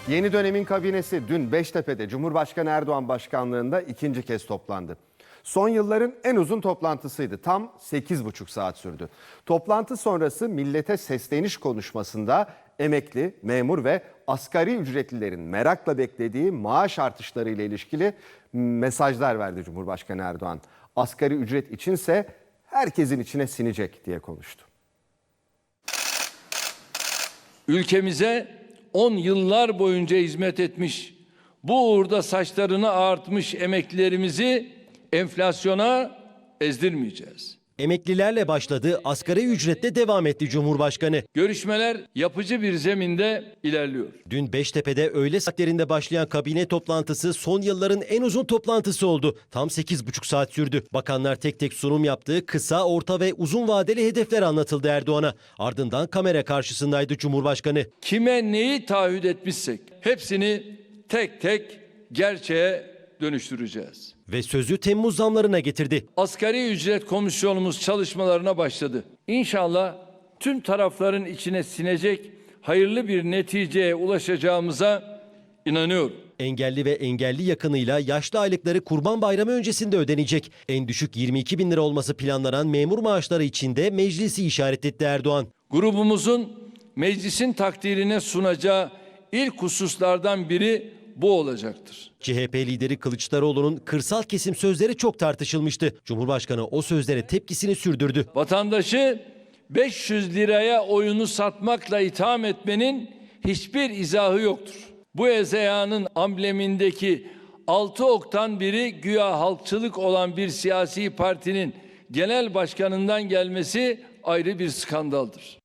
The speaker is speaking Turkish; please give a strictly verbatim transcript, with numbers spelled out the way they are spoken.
Yeni dönemin kabinesi dün Beştepe'de Cumhurbaşkanı Erdoğan başkanlığında ikinci kez toplandı. Son yılların en uzun toplantısıydı. Tam sekiz buçuk saat sürdü. Toplantı sonrası millete sesleniş konuşmasında emekli, memur ve asgari ücretlilerin merakla beklediği maaş artışları ile ilişkili mesajlar verdi Cumhurbaşkanı Erdoğan. Asgari ücret içinse herkesin içine sinecek diye konuştu. Ülkemize on yıllar boyunca hizmet etmiş, bu uğurda saçlarını ağartmış emeklilerimizi enflasyona ezdirmeyeceğiz. Emeklilerle başladı, asgari ücretle devam etti Cumhurbaşkanı. Görüşmeler yapıcı bir zeminde ilerliyor. Dün Beştepe'de öğle saatlerinde başlayan kabine toplantısı son yılların en uzun toplantısı oldu. Tam sekiz buçuk saat sürdü. Bakanlar tek tek sunum yaptı, kısa, orta ve uzun vadeli hedefler anlatıldı Erdoğan'a. Ardından kamera karşısındaydı Cumhurbaşkanı. Kime neyi taahhüt etmişsek hepsini tek tek gerçeğe dönüştüreceğiz. Ve sözü Temmuz zamlarına getirdi. Asgari ücret komisyonumuz çalışmalarına başladı. İnşallah tüm tarafların içine sinecek hayırlı bir neticeye ulaşacağımıza inanıyorum. Engelli ve engelli yakınıyla yaşlı aylıkları Kurban Bayramı öncesinde ödenecek. En düşük yirmi iki bin lira olması planlanan memur maaşları için de meclisi işaret etti Erdoğan. Grubumuzun meclisin takdirine sunacağı ilk hususlardan biri bu olacaktır. C H P lideri Kılıçdaroğlu'nun kırsal kesim sözleri çok tartışılmıştı. Cumhurbaşkanı o sözlere tepkisini sürdürdü. Vatandaşı beş yüz liraya oyunu satmakla itham etmenin hiçbir izahı yoktur. Bu ezeyanın amblemindeki altı oktan biri güya halkçılık olan bir siyasi partinin genel başkanından gelmesi ayrı bir skandaldır.